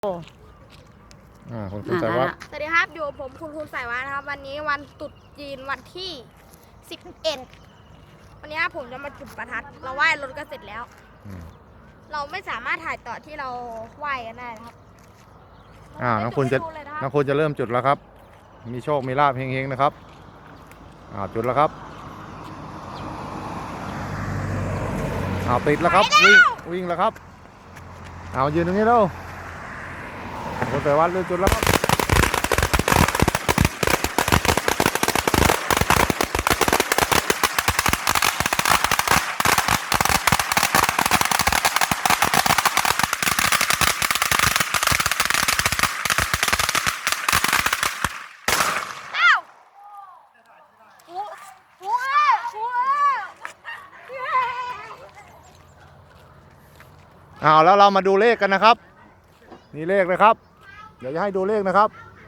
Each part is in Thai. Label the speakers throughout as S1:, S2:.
S1: คุณสายวัฒน์
S2: สวัสดีครับอยู่ผมคุณสายวัฒน์นะครับวันนี้วันตรุษจีนวันที่11วันนี้ผมจะมาจุดประทัดเราไหว้รถก็เสร็จแล้วเราไม่สามารถถ่ายต่อที่เราไหว้กันได้นะครับ
S1: น้องคุณจะเริ่มจุดแล้วครับมีโชคมีลาภเฮงๆนะครับจุดแล้วครับติดแล้วครับวิ่งแล้วครับยืนตรงนี้แล้วคุณสายวัฒน์เริ่มจุดแล้วครับแล้วเรามาดูเลขกันนะครับนี่เลขนะครับเดี๋ยวจะให้ดูเลขนะครับ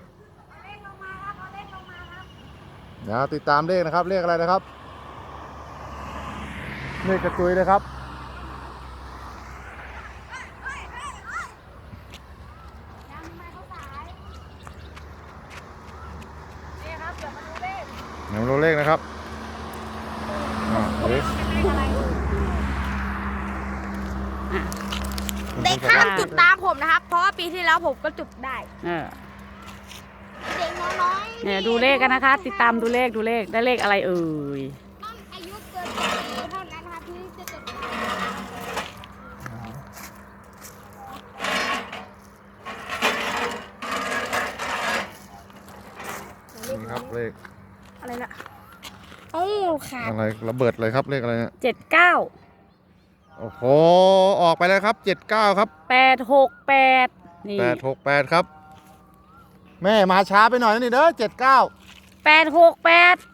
S1: เดี๋ยวติดตามเลขนะครับเลขอะไรนะครับเลขกระตุยนะครับเดี๋ยวมาดูเลขนะครับ
S2: เด็กห้ามจุดตามผมนะครับเพราะว่าปีที่แล้วผมก็จุดได้เด็กน้อยๆ
S3: เนี่ยดูเลขกันนะคะติดตามดูเลขได้เลขอะไรเอ่ย
S2: ต้องอายุเกินปีเท่านั้นนะครับที่จะจุด
S1: นี่ครับเลข
S2: อะไรล่ะขาด
S1: อะไรระเบิดเลยครับเลขอะไรเนี่ย
S3: 79
S1: โอ้โหออกไปแล้วครับ79ครับ
S3: 868นี่
S1: 868ครับแม่มาช้าไปหน่อยนี่เด้อ
S3: 868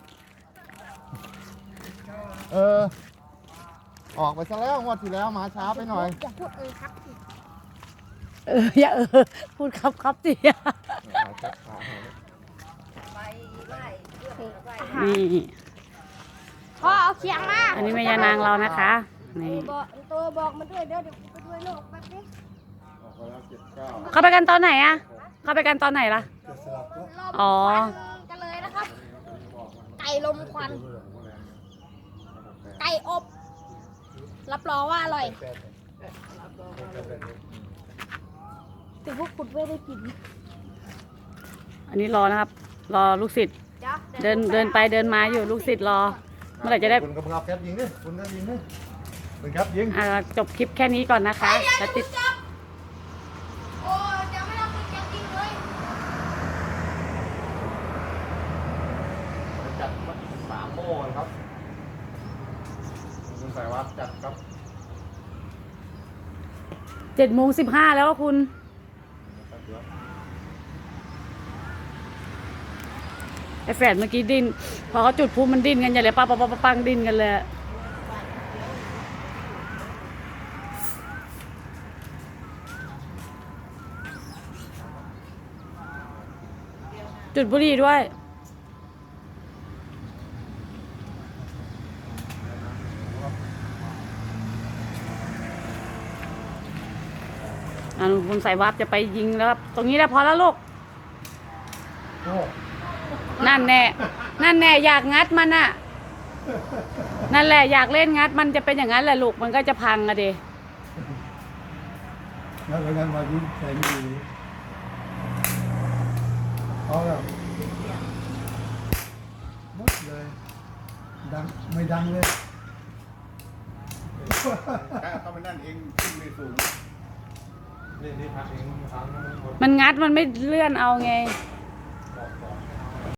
S1: ออกไปซะแล้วงวดที่แล้วมาช้าไปหน่อย
S2: อย่าพูดครับ
S3: อย่าพูดครับสินี่
S2: พ่อเอาเคียงมา
S3: อันนี้แม่ยานางเรานะคะนี่
S2: ตัวบอกมาด้วยเดี๋ยวไปด้วยโลกแป๊บนึง
S3: เข้าไปกันตอนไหนอะเข้าไปกันตอนไหนล่ะอ๋อ
S2: กันเลยนะครับไก่ลมควันไก่อบรับรองว่าอร่อยแต่พวกคุณไม่ได้กิน
S3: อันนี้รอนะครับรอลูกศิษย์เดินไปเดินมาอยู่ลูกศิษย์รอเมื่อไหร่จะได้
S1: คุณกับแคปยิงดิคุณก็ยิงดิคุณครับยิง
S3: จบคลิปแค่นี้ก่อนนะคะแล้วติด
S2: โอ้เดี๋ยวไม่ต้องติดจริงเลย
S1: จัด3 โม่ครับคุณสายวัฒน์จัดครับ
S3: 7:15แล้วคุณไอ้แฝดเมื่อกี้ดิ้นพอเขาจุดพูมันดิ้นกันอย่าเลยปังดิ้นกันเลยจุดบุหรี่ด้วยคุณสายวับจะไปยิงแล้วครับตรงนี้แล้วพอแล้วลูกนั่นแน่อยากงัดมันน่ะนั่นแหละอยากเล่นงัดมันจะเป็นอย่างนั้นแหละลูกมันก็จะพังอะดิ
S4: แล้วงั้นมายิงใส่มือเอาแล้วหมดเลยดังไม่ดังเลย
S1: เข้าไปนั่นเองขึ้นไม่สูงเล่นที่พักเอง
S3: มันงัดมันไม่เลื่อนเอาไง